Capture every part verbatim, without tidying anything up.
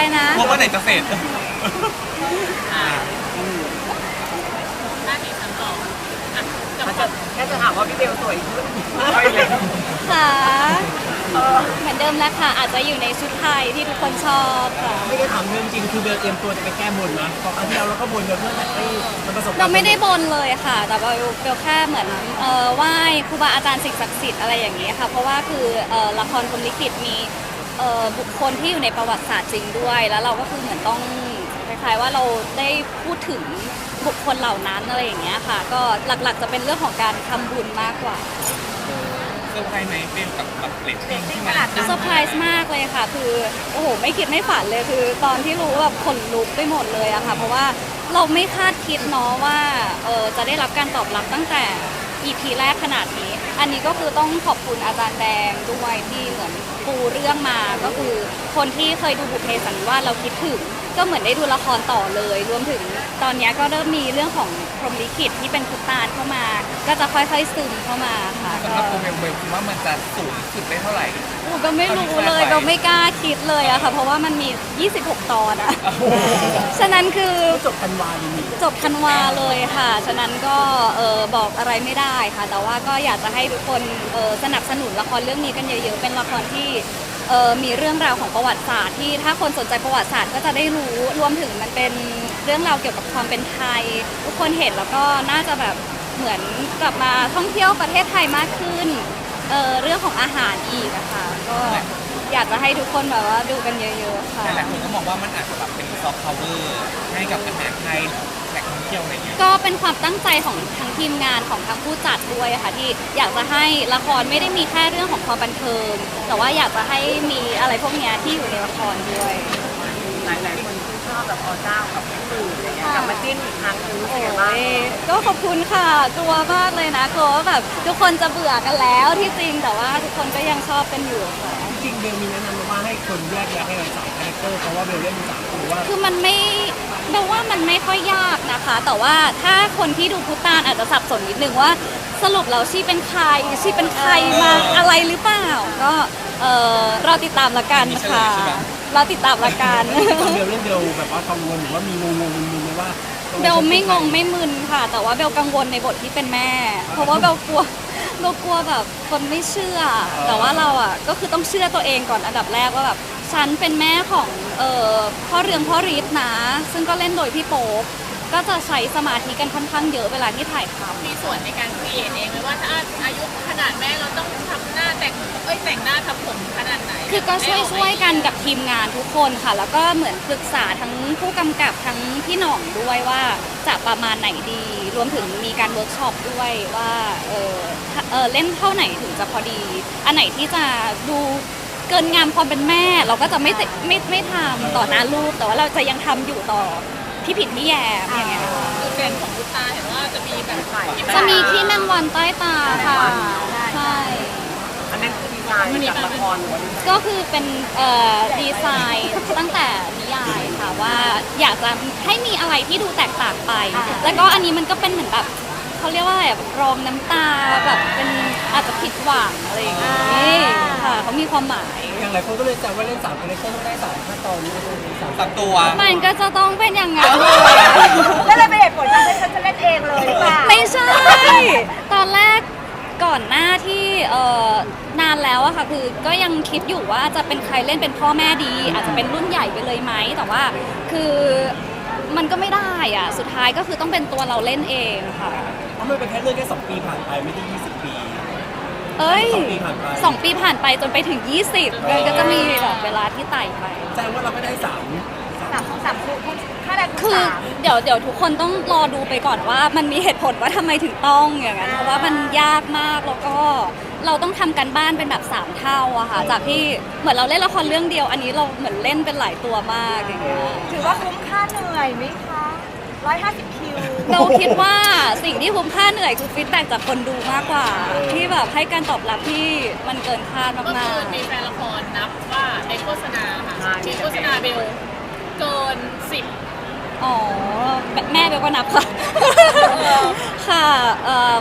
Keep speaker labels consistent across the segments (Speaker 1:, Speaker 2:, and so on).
Speaker 1: นะ
Speaker 2: ว่าเมื่อไหร่จะเสร็จ
Speaker 3: หน้าที่ฉันต่ออ่ะจะ
Speaker 4: อาจ
Speaker 3: ข
Speaker 4: จะ
Speaker 3: อ
Speaker 4: แค่จะถามว่าพี่เบลสวยขึ้น
Speaker 1: ค่ะเหมือนเดิมแล้วค่ะอาจจะอยู่ในชุดไทยที่ทุกคนชอบค่ะ
Speaker 4: ไม่ได้ถามเรื่องจริงคือเบลเตรียมตัวจะไปแก้บนนะพอครั้งที่แล้วเราก็บนเพื่อแบบให้มันประสบ
Speaker 1: เราไม่ได้บนเลยค่ะแต่ว่าเบลแค่เหมือนเอ่อไหว้ครูบาอาจารย์สิ่งศักดิ์สิทธิ์อะไรอย่างนี้ค่ะเพราะว่าคือเอ่อละครพรหมลิขิตมีเอ่อบุคคลที่อยู่ในประวัติศาสตร์จริงด้วยแล้วเราก็คือเหมือนต้องคล้ายๆว่าเราได้พูดถึงบุคคลเหล่านั้นอะไรอย่างเงี้ยค่ะก็หลักๆจะเป็นเรื่องของการทำบุญมากกว่า
Speaker 2: เซอร์ไพรส์ไหมเป็นกับกับเรตติ้งที่มัน
Speaker 1: เซอร์ไพรส์มากเลยค่ะ คือโอ้โหไม่คิดไม่ฝันเลยคือตอนที่รู้แบบขนลุกไปหมดเลยอะค่ะเพราะว่าเราไม่คาดคิดเนาะว่าเออจะได้รับการตอบรับตั้งแต่ อี พี แรกขนาดนี้ อันนี้ก็คือต้องขอบคุณอาจารย์แดงด้วยที่เหมือนปูเรื่องมาก็คือคนที่เคยดูบุพเพสันนิวาสเราคิดถึงก็เหมือนได้ดูละครต่อเลย รวมถึงตอนนี้ก็เริ่มมีเรื่องของพรหมลิขิตที่เป็นคุตตานเข้ามา ก็จะค่อยๆซึมเข้ามาค่ะ
Speaker 2: สำหรับตัวเบลเบลคิดว่ามันจะสูงสุดได้เท่าไหร่
Speaker 1: โอ้ก็ไม่รู้เลยเราไม่กล้าคิดเลยอะค่ะ เพราะว่ามันมี ยี่สิบหก ตอนอะฉะนั้นคือ
Speaker 4: จบธันวาเลยมี
Speaker 1: จบธันวาเลยค่ะ ฉะนั้นก็เออบอกอะไรไม่ได้ค่ะ แต่ว่าก็อยากจะให้ทุกคนเออสนับสนุนละครเรื่องนี้กันเยอะๆ เป็นละครที่เออมีเรื่องราวของประวัติศาสตร์ที่ถ้าคนสนใจประวัติศาสตร์ก็จะได้รู้ รวมถึงมันเป็นเรื่องราวเกี่ยวกับความเป็นไทย ทุกคนเห็นแล้วก็น่าจะแบบเหมือนกลับมาท่องเที่ยวประเทศไทยมากขึ้นเออเรื่องของอาหารอีกอะค่ะ ก็อยากจะให้ทุกคนแบบว่าดูกันเยอะๆค่ะ
Speaker 2: หลายๆคนก็มองว่ามันอาจจะแบบเป็นซอฟต์พาวเวอร์ให้กับอาหารไทยแหล่งท่องเที่ยวอะไรเงี้ย
Speaker 1: ก็เป็นความตั้งใจของทั้งทีมงานของทั้งผู้จัดด้วยค่ะที่อยากจะให้ละครไม่ได้มีแค่เรื่องของความบันเทิง แต่ว่าอยากจะให้มีอะไรพวกเนี้ยที่อยู่ในละครด้วย
Speaker 4: หลายหลายๆคนที่ชอบแบบอเจ้ากับพี่ตู่อะไรเงี้ยกลับมาจิ้นอีกครั้งนึงรู้สึกยังไงบ้าง
Speaker 1: โอ้ยก็ขอบคุณค่ะกลัวมากเลยนะกลัวว่าแบบทุกคนจะเบื่อกันแล้วที่จริงแต่ว่าทุกคนก็ยังชอบกันอยู่ค่ะ
Speaker 4: จริงเบลมีแนะนำมาว่าให้คนแยกแยะให้เราสามคาแรคเตอร์เพราะว่าเบลเล่นสามตัวว่า
Speaker 1: คือมันไม่เบลว่ามันไม่ค่อยยากนะคะ แต่ว่าถ้าคนที่ดูพุตานอาจจะสับสนนิดนึงว่าสรุปแล้วชีเป็นใครชีเป็นใครมาอะไรหรือเปล่า ก็เออเราติดตามละกันค่ะเราติดตามละกัน
Speaker 4: ตอนเบลเล่นเบลแบบว่ากังวลหรือว่ามีงงงๆมึนๆไหมว่า
Speaker 1: เบลไม่งงไม่มึนค่ะ แต่ว่าเบลกังวลในบทที่เป็นแม่ เพราะว่าเบลกลัวเบลกลัวแบบคนไม่เชื่อ แต่ว่าเราอ่ะก็คือต้องเชื่อตัวเองก่อนอันดับแรกว่าแบบฉันเป็นแม่ของเอ่อพ่อเรืองพ่อฤทธิ์นะ ซึ่งก็เล่นโดยพี่โป๊ปก็จะใช้สมาธิกันค่อนข้างเยอะเวลาที่ถ่ายทำ
Speaker 3: มีส่วนในการครีเอทเองไหมว่าถ้าอายุขนาดแม่เราต้องทำหน้าแต่งเอ้ยแต่งหน้าทำผมขนาดไหน
Speaker 1: คือก็ช่วยช่วยกันกับทีมงานทุกคนค่ะ แล้วก็เหมือนปรึกษาทั้งผู้กำกับทั้งพี่หน่องด้วยว่าจะประมาณไหนดี รวมถึงมีการเวิร์กช็อปด้วยว่าเออถ้าเออเล่นเท่าไหนถึงจะพอดี อันไหนที่จะดูเกินงามความเป็นแม่ เราก็จะไม่ไม่ไม่ไม่ทำต่อหน้าลูก แต่ว่าเราจะยังทำอยู่ต่อพี่ผิดพี่แยมอย่างเงี้ยค่ะ
Speaker 3: คือเด่นของลูกตาเห็นว่าจะมีแบบที่
Speaker 1: จะมีขี้แมงวันใต้ตาค่ะใช่
Speaker 4: อันนั้นคือดีไซน์จากละครหรือว่าดีไซน์
Speaker 1: ก็คือเป็นเอ่อดีไซน์ตั้งแต่นิยายค่ะว่าอยากจะให้มีอะไรที่ดูแตกต่างไป แล้วก็อันนี้มันก็เป็นเหมือนแบบเขาเรียกว่าอะไรแบบรองน้ำตาแบบเป็นอาจจะผิดหวังอะไรอย่างงี้ค่ะเขามีความหมาย
Speaker 4: อย่างหลายคนก็เลยจำว่าเล่นสามคาแรคเตอร์ต้องได้สามขั้นตอนนี้สาม
Speaker 2: ตัดตัว
Speaker 1: มันก็จะต้องเป็นอย่างนั้น
Speaker 5: แล้วเลยเป็นเหตุผลที่ฉันจะเล่นเองเลยหรือเปล่า
Speaker 1: ไม่ใช่ ตอนแรกก่อนหน้าที่เอ่อนานแล้วอะค่ะคือก็ยังคิดอยู่ว่าจะเป็นใครเล่นเป็นพ่อแม่ดี อาจจะเป็นรุ่นใหญ่ไปเลยไหมแต่ว่าคือมันก็ไม่ได้อะสุดท้ายก็คือต้องเป็นตัวเราเล่นเองค่ะ
Speaker 4: เพราะมันเป็นแค่เรื่องแค่สองปีผ่านไปไม่ได้ยี่สิบปี
Speaker 1: เอ้ย
Speaker 4: สองปีผ่านไป
Speaker 1: สองปีผ่านไปจนไปถึงยี่สิบมันก็จะมีแบบเวลาที่ไต่ไป
Speaker 4: แสดงว่าเราไม่ได้สาม
Speaker 5: สามของสามคู่ค่าแรงคู่
Speaker 1: คือ
Speaker 5: สาม
Speaker 1: เดี๋ยวเดี๋ยวทุกคนต้องรอดูไปก่อนว่ามันมีเหตุผลว่าทำไมถึงต้องอย่างนั้นเพราะว่ามันยากมากแล้วก็เราต้องทำกันบ้านเป็นแบบสามเท่าอะค่ะจากที่เหมือนเราเล่นละครเรื่องเดียว อันนี้เราเหมือนเล่นเป็นหลายตัวมากอย่างเงี้ย
Speaker 5: ถือว่าคุ้มค่าเหนื่อยไหมคะร้อยห้าสิบคิว
Speaker 1: เราคิดว่าสิ่งที่คุ้มค่าเหนื่อยคือฟีดแบ็กจากคนดูมากกว่า ที่แบบให้การตอบรับที่มันเกินคาด
Speaker 3: ก็
Speaker 1: มา
Speaker 3: คื
Speaker 1: ก
Speaker 3: อมีแฟนละครนับว่าในโฆษณาค่ะมีโฆษณาเบลเกินสิบ
Speaker 1: ๆอ๋อแม่เบลก็นับค่ะ ค่ะเอิ่ม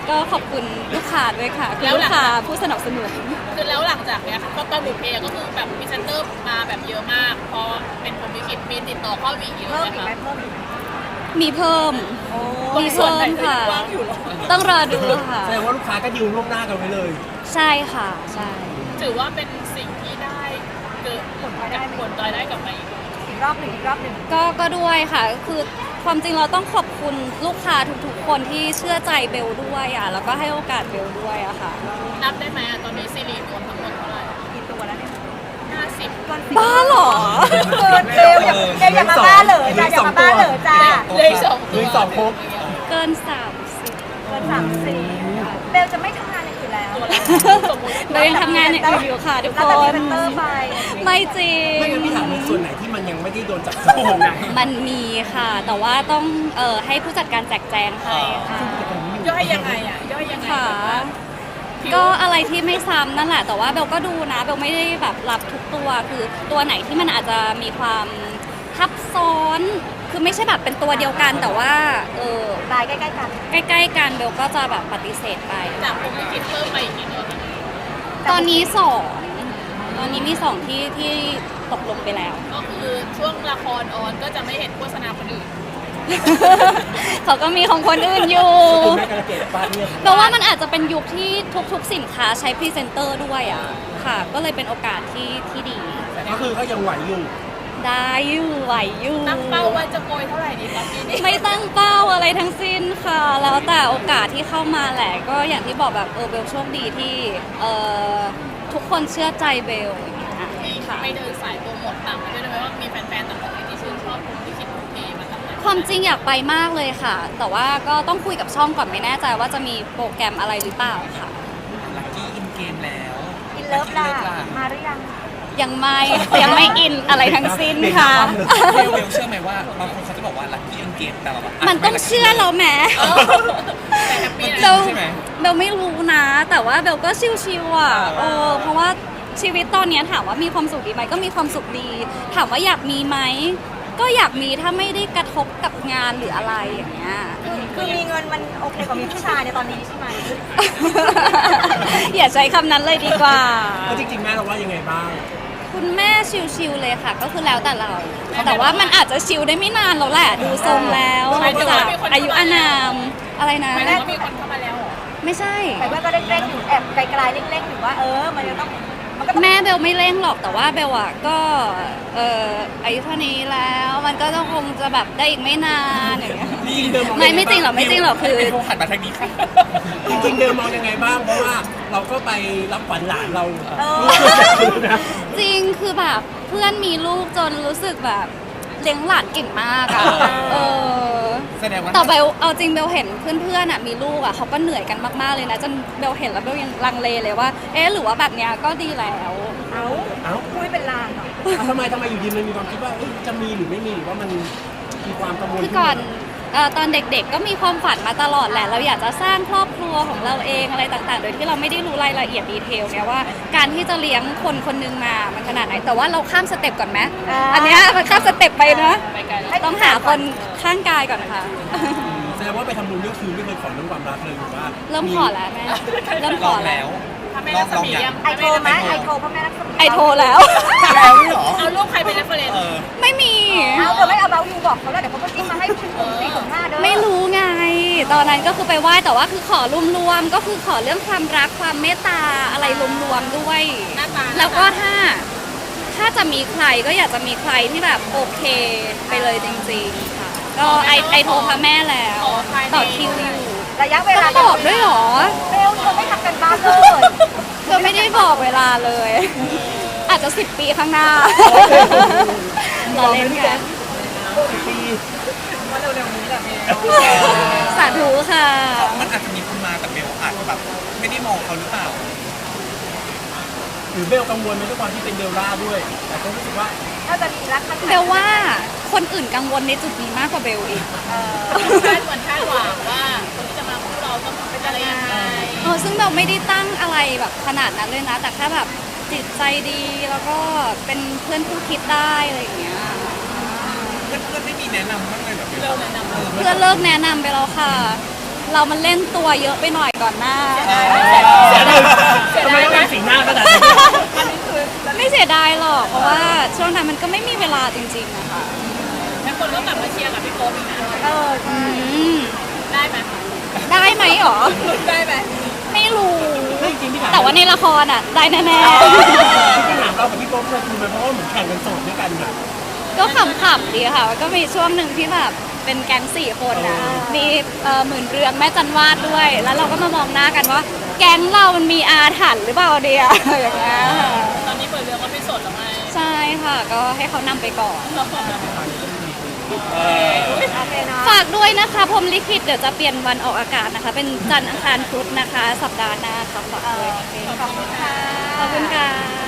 Speaker 1: ก็ขอบคุณลูกค้าด้วยค่ะคือลูกค้าผู้สนับสนุน
Speaker 3: คือแล้วหลังจากเนี้ยก็ตอนบุพเพก็คือแบบพรีเซนเตอร์มาแบบเยอะมากเพราะเป็นผมลิขิตมีติดต่อเข้าวีอีก
Speaker 5: เพิ่ม
Speaker 3: ไหม
Speaker 5: อีกไหม
Speaker 3: คะ
Speaker 5: เพิ่มอีกไหม
Speaker 1: มีเพิ่ม
Speaker 5: โอ้
Speaker 1: มี
Speaker 3: ส่วน
Speaker 1: เพิ่
Speaker 3: ไหน
Speaker 1: ม
Speaker 3: ที่
Speaker 1: ค่ะ
Speaker 3: ว่างอยู่หรอ
Speaker 1: ต้องรอดูค่ะ
Speaker 4: แสดงว่าลูกค้าก็ดิวล่วงหน้ากันไว้เลย
Speaker 1: ใช่ค่ะใช่
Speaker 3: ถือว่าเป็นสิ่งที่ได้เกิดผลได้ผลได้กลับมาอีก
Speaker 5: อีกรอบหนึ่งอีกรอบหนึ่ง
Speaker 1: ก็ก็ด้วยค่ะ คือความจริงเราต้องขอบคุณลูกค้าทุกๆ คนที่เชื่อใจเบลด้วยอ่ะแล้วก็ให้โอกาสเบลด้วยอะค่ะ
Speaker 3: นับได้ไหมอะตอนนี้ซีรีส์รวมทั้งหมดเท่าไหร่
Speaker 5: กี่ตัวแล้วเนี่ย
Speaker 3: ห้าสิบ
Speaker 5: เกินสิบ
Speaker 1: บ้าเหรอ
Speaker 5: เกินเร็วอย่าเร็วอย่ามาบ้าเหรอจ้าอย่ามาบ้าเหรอจ้า
Speaker 3: เลยสอง
Speaker 4: เลยสองครบ
Speaker 1: เกินสามสิบ
Speaker 5: เกินสามสี่เบลจะไม่ทำงานอย่างอื่นแล้ว
Speaker 3: ตัวละสมมติ
Speaker 1: เรายังทำงานอย่างอื่นอยู่ค่ะทุก
Speaker 5: แล้ว
Speaker 1: ค
Speaker 5: แต่พรี
Speaker 1: น
Speaker 5: เซนเตอร์ไป
Speaker 1: ไม่จริง
Speaker 4: ไม่งั้นพี่ถามในส่วนไหนที่มันยังไม่ได้โดนจับโจงนะ
Speaker 1: มันมีค่ะ แต่ว่าต้องเอ่อให้ผู้จัดการแจกแจงให้ค่ะ
Speaker 3: ย่อยยังไงอ่ะย่อยยังไง
Speaker 1: ค่ะ ก็อะไรที่ไม่ซ้ำนั่นแหละ แต่ว่าเบลก็ดูนะเบลไม่ได้แบบรับทุกตัวคือตัวไหนที่มันอาจจะมีความทับซ้อน คือไม่ใช่แบบเป็นตัวเดียวกัน แต่ว่าเออ
Speaker 5: ลายใกล้ๆกัน
Speaker 1: ใกล้ๆกันเบลก็จะแบบปฏิเสธไป
Speaker 3: จากผมลิขิตเพิ่มไปอีกกี่ตัวคะ
Speaker 1: ตอนนี้สองตอนนี้มีสองที่ที่ตกลงไปแล้ว
Speaker 3: ก็คือช่วงละครออนก็จะไม่เห็นโฆษณาคนอื่น
Speaker 1: เขาก็มีของคนอื่นอยู่
Speaker 4: คุณแม่กระเกดป้าเนี่ย
Speaker 1: แปลว่ามันอาจจะเป็นยุคที่ทุกๆสินค้าใช้พรีเซนเตอร์ด้วยอ่ะค่ะ ก็เลยเป็นโอกาสที่ที่ดี
Speaker 4: ก็คือก็ยังไหวอยู่
Speaker 1: ได้อยู่ไหวอยู่
Speaker 3: ตั้งเป้าว่าจะโกยเท่าไหร่ดีคะปีนี้
Speaker 1: ไม่ตั้งเป้าอะไรทั้งสิ้นค่ะ แล้วแต่โอกาสที่เข้ามาแหละ ก็อย่างที่บอกแบบเออเบลโชคดีที่เออทุกคนเชื่อใจเบลอย่างเงี้ย
Speaker 3: มี
Speaker 1: ค่ะ
Speaker 3: ไปเดินสายโปรโมทต่างประเทศด้วยไหมว่ามีแฟนๆต่างประเทศที่ชื่นชอบผมลิขิตบุพเพมาตั้งแต่
Speaker 1: ความจริงอยากไปมากเลยค่ะ แต่ว่าก็ต้องคุยกับช่องก่อนไม่แน่ใจว่าจะมีโปรแกรมอะไรหรือเปล่าค่ะ
Speaker 2: ลัคกี้อินเกมแล้ว
Speaker 5: อินเลิฟล่ะ
Speaker 2: Lucky Love
Speaker 5: มาหรือยัง
Speaker 1: ยังไม่ยังไม่อินอะไรทั้งสิ้นค่ะ
Speaker 2: เบลเบลเชื่อไหมว่าบางคนเขาจะบอกว่าลัคกี้อินเกมแต่แบบะ
Speaker 1: มันต้องเชื่อเราแหม
Speaker 3: แต่แฮปปี้
Speaker 1: เบ
Speaker 3: นะ
Speaker 1: ล
Speaker 2: ใช่ไหม
Speaker 1: เบลไม่รู้นะ แต่ว่าเบลก็ชิวๆอ่ะเออเพราะว่าชีวิตตอนเนี้ยถามว่ามีความสุขดีไหมก็มีความสุขดี ถามว่าอยากมีไหมก็อยากมีถ้าไม่ได้กระทบกับงานหรืออะไรอย่างเงี้ย
Speaker 5: คือคือมีเงินมันโอเคกว่ามีผู้ชายในตอนนี้ใช่ไหม
Speaker 1: อย่าใช้คำนั้นเลยดีกว่า
Speaker 4: ก็จริงๆแม่เราว่ายังไงบ้าง
Speaker 1: คุณแม่ชิวๆเลยค่ะ ก็คือแล้วแต่เรา แต่ว่ามันอาจจะชิวได้ไม่นานแล้วแหละ ดูทรงแล้วจากอายุอานามอะไรนะ
Speaker 3: หมายถึงว่ามีคนเข้ามาแล้วเหรอ
Speaker 1: ไม่ใช่
Speaker 5: แต่ว่าก็เล็กๆอยู่แอบไกลๆเล็กๆอยู่ว่าเออมันจะต้องมันก็ต้อง
Speaker 1: แม่เบลไม่เร่งหรอกแต่ว่าเบลอะก็เอ่ออายุเท่านี้แล้วมันก็จะคงจะแบบได้อีกไม่นานอย่างเงี้ย
Speaker 4: จริงๆเดิมอง
Speaker 1: ไม่ไม่จริงหรอกไม่จริงหรอกคือ
Speaker 2: เป็นผู้หันมาทางนี้ค่ะ
Speaker 4: จริงๆเดิมมองยังไงบ้าง เพราะว่าเราก็ไปรับขวัญหลานเรา
Speaker 5: เออ
Speaker 4: นะ
Speaker 1: จริงคือแบบเพื่อนมีลูกจนรู้สึกแบบเลี้ยงหลานเก่งมากอะเออ
Speaker 2: แสดงว่า
Speaker 1: แต่เบลเอาจริงเบลเห็นเพื่อนๆอะมีลูกอะเขาก็เหนื่อยกันมากๆเลยนะจนเบลเห็นแล้วเบลยังลังเลเลยว่า เอ๊ะหรือว่าแบบเนี้ยก็ดีแล้ว
Speaker 5: เอา
Speaker 4: เอ้า
Speaker 5: คุยเป็นลางเหรอ
Speaker 4: ทำไมทำไมอยู่ดีมันมีความคิดว่าเอ้ยจะมีหรือไม่มีหรือว่ามันมีความกังวล
Speaker 1: คือก่อนเอ่อตอนเด็กๆก็มีความฝันมาตลอดแหละ เราอยากจะสร้างครอบครัวของเราเองอะไรต่างๆ โดยที่เราไม่ได้รู้รายละเอียดดีเทลเนี่ยว่าการที่จะเลี้ยงคนคนหนึงมามันขนาดไหน แต่ว่าเราข้ามสเต็ปก่อนไหมอันเนี้ยมันข้ามสเต็ปไปนะ
Speaker 3: ไปไกลแล้ว
Speaker 1: ต้องหาคนข้างกายก่อนค่ะ
Speaker 4: แสดงว่าไปทำบุญเรื่องคืนไม่เคยขอเรื่องความรักเลยหรือว่า
Speaker 1: เริ่มขอแล้วแม่เริ่มข
Speaker 2: ล
Speaker 1: อ
Speaker 2: อง
Speaker 1: แล้
Speaker 2: แล้ว ว
Speaker 3: ถ้าไม่
Speaker 2: ล
Speaker 3: รั
Speaker 2: อก ง
Speaker 3: ส
Speaker 2: ลอง
Speaker 3: มี
Speaker 2: ยั
Speaker 3: ยัง ง
Speaker 5: ไอโทรไหมไอโทรพ่อแม่รักษมี
Speaker 1: ไอโทรแล้ว
Speaker 2: แล้วนี่เหรอ
Speaker 3: เอารูปใครเป็นเรฟเฟรนซ์
Speaker 2: เออ
Speaker 1: ไม่มี
Speaker 5: เอาเดี๋ยวไม่เอาเบาอยู่บอกเขาแล้วเดี๋ยวเขาก็จิ้มมาให้คุณสี่ถึงห้าเด้อ
Speaker 1: ไม่รู้ไง ตอนนั้นก็คือไปไหว้แต่ว่าคือขอรวมๆก็คือขอเรื่องความรักความเมตตาอะไรรวมๆด้วย
Speaker 3: หน้าตา
Speaker 1: แล้วก็ถ้าถ้าจะมีใครก็อยากจะมีใครที่แบบโอเคไปเลยจริงๆค่ะ ก็ไอไอโทรพระแม่แล้ว
Speaker 3: ขอภายใน
Speaker 1: ต่อคิวอยู่
Speaker 5: ระยะเว
Speaker 1: ต้
Speaker 5: ลา
Speaker 1: องบอกด้วยเหรอ
Speaker 5: เบลเธอไม่ทำกันบ้านเลย
Speaker 1: เธอไม่ได้บอกเวลาเลย อาจจะสิบปีข้างหน้าเราเล่นกัน
Speaker 4: ปี
Speaker 5: ว่าเร็วๆนี้แหละเบล
Speaker 1: สาธุค่ะ
Speaker 2: มันอาจจะมีคนมาแต่เบลอาจจะแบบไม่ได้มองเขาหรือเปล่า
Speaker 4: หรือเบลกังวลไหมด้วยความที่เป็นเดลล่าด้วย แต่ก็รู้สึกว่า
Speaker 5: ถ้าจะมีรักมัน
Speaker 1: เบลว่าคนอื่นกังวลในจุดนี้มากกว่าเบลอีก
Speaker 5: เออ
Speaker 3: คาดหวังคาดหวังว่าคนที่จะมาคู่เราต้องเป็นอะไรยังไง
Speaker 1: เออซึ่งเบลไม่ได้ตั้งอะไรแบบขนาดนั้นเลยนะ แต่แค่แบบจิตใจดีแล้วก็เป็นเพื่อนคู่คิดได้อะไรอย่างเงี้ย
Speaker 2: เพื่อนๆไม่มีแนะนำบ้างเลยแบบเบล
Speaker 3: เราแนะนำ
Speaker 1: เพื่อนเลิกแนะนำไปแล้วค่ะ
Speaker 5: เ
Speaker 1: เรามันเล่นตัวเยอะไปหน่อยก่อนหน้า
Speaker 6: เสียดายทำไมต้องทำสีหน้าขนาดนี้
Speaker 1: ไม่เสียดายหรอก เพราะว่าช่วงนั้นมันก็ไม่มีเวลาจริงๆอะค่ะ
Speaker 3: แล้วคนก็กลับมาเชียร์กับพี่โป๊ปอีกนะ
Speaker 5: เออ
Speaker 1: อืม
Speaker 3: ได้ไหม
Speaker 1: ได้ไหมหรอ
Speaker 3: ได้ไหม
Speaker 1: ไม่รู้
Speaker 6: ไม่จริงพี่ถาม
Speaker 1: แต่ว่าในละครอ่ะ ได้แน่
Speaker 6: พี่ถามเรากับพี่โป๊ปเคยคุยไหมเพราะว่าเหมือนแข่งกันโสดด้วยกันอะ
Speaker 1: ๆ ก็ขำๆดีค่ะ ก็มีช่วงหนึ่งที่แบบเป็นแก๊งสี่คนนะมีเอ่อหมื่นเรืองแม่จันวาดด้วย แล้วเราก็มามองหน้ากันว่า แก๊งเรามันมีอาถรรพ์หรือเปล่าเดีย อย่างเงี้ยค่ะ
Speaker 3: ตอนนี้เปิดเรื่องก็ไม่สดแล้วไง
Speaker 1: ใช่ค่ะ ก็ให้เขานำไปก่อน
Speaker 5: โอเคเนาะ
Speaker 1: ฝากด้วยนะคะพรหมลิขิตเดี๋ยวจะเปลี่ยนวันออกอากาศนะคะ เป็นจันทร์อังคารพุธนะคะ สัปดาห์หน้าค่ะฝากด้วย
Speaker 5: ขอบคุณค่ะ
Speaker 1: ขอบคุณค่ะ